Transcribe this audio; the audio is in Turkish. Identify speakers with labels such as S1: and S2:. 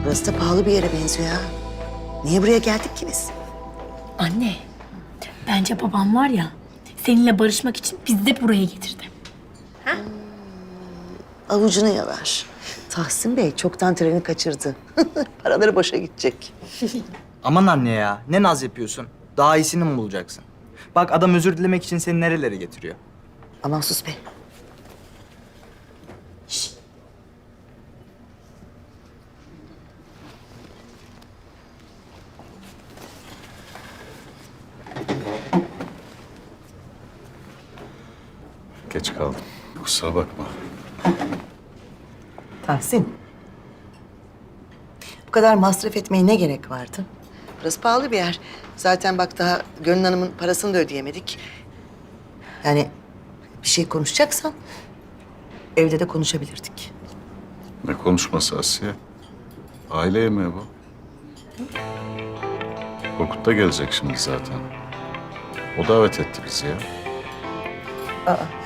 S1: Burası da pahalı bir yere benziyor ha. Niye buraya geldik ki biz?
S2: Anne, bence babam var ya, seninle barışmak için bizi de buraya getirdi.
S1: Avucunu yalar. Tahsin Bey çoktan treni kaçırdı. Paraları boşa gidecek.
S3: Aman anne ya, ne naz yapıyorsun? Daha iyisini mi bulacaksın? Bak adam özür dilemek için seni nerelere getiriyor.
S1: Aman sus be.
S4: Geç kaldım. Kusura bakma.
S1: Tahsin. Bu kadar masraf etmeye ne gerek vardı? Burası pahalı bir yer. Zaten bak daha Gönül Hanım'ın parasını da ödeyemedik. Yani bir şey konuşacaksan evde de konuşabilirdik.
S4: Ne konuşması Asiye? Aile yemeği bu. Korkut da gelecek şimdi zaten. O davet etti bizi ya.
S1: Aa,